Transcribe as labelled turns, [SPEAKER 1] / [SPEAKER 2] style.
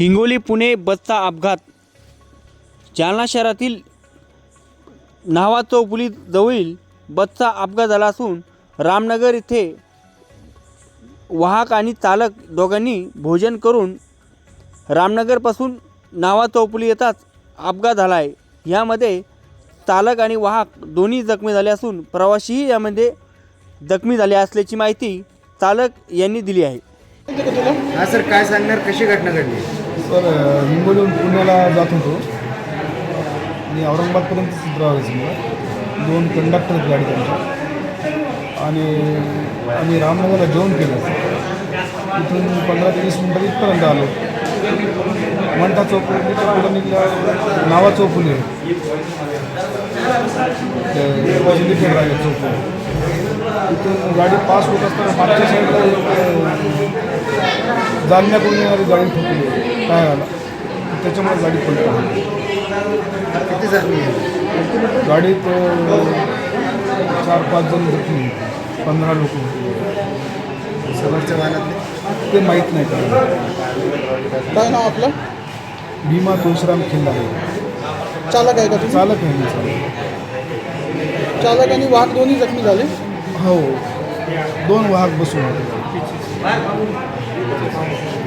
[SPEAKER 1] हिंगोली पुणे बसचा अपघात. जालना शहरातील न्हावा चौफुली जवळील बसचा अपघात झाला असून रामनगर येथे वाहक आणि चालक दोघांनी भोजन करून रामनगरपासून न्हावा चौफुली येताच अपघात झाला आहे. यामध्ये चालक आणि वाहक दोन्ही जखमी झाले असून प्रवाशीही यामध्ये जखमी झाले असल्याची माहिती चालक यांनी दिली आहे.
[SPEAKER 2] हा सर, काय सांगणार, कशी घटना घडली?
[SPEAKER 3] सर, हिंगोलीहून पुण्याला जात होतो आणि औरंगाबादपर्यंत ट्रॅव्हल्स मला 2 कंडक्टर आहेत गाडी त्यांच्या, आणि आम्ही रामनगरला जेवण केलं. इथून 15 ते 20 मिनटात इथपर्यंत आलो. मंठा चौफुलीच्या पुढं निघल्या न्हावा चौफुली चौफुली, तिथून गाडी पास होत असताना मागच्या साईडला जालन्याकडून येणारी गाडी ठोकली टायराला, त्याच्यामुळे गाडी पलटी.
[SPEAKER 2] किती जखमी आहे?
[SPEAKER 3] गाडीत 4-5 जण जखमी, 15 लोक होते.
[SPEAKER 2] समोरच्या वाहनातले
[SPEAKER 3] ते माहीत नाही का.
[SPEAKER 4] काय नाव आपलं?
[SPEAKER 3] भीमा तुळशीराम खिल्ला आहे.
[SPEAKER 4] चालक आहे का तुम्ही?
[SPEAKER 3] चालक आहे मी.
[SPEAKER 4] चालक आणि वाहक दोन्ही जखमी झाले.
[SPEAKER 3] हो, 2 वाहक बसून होते.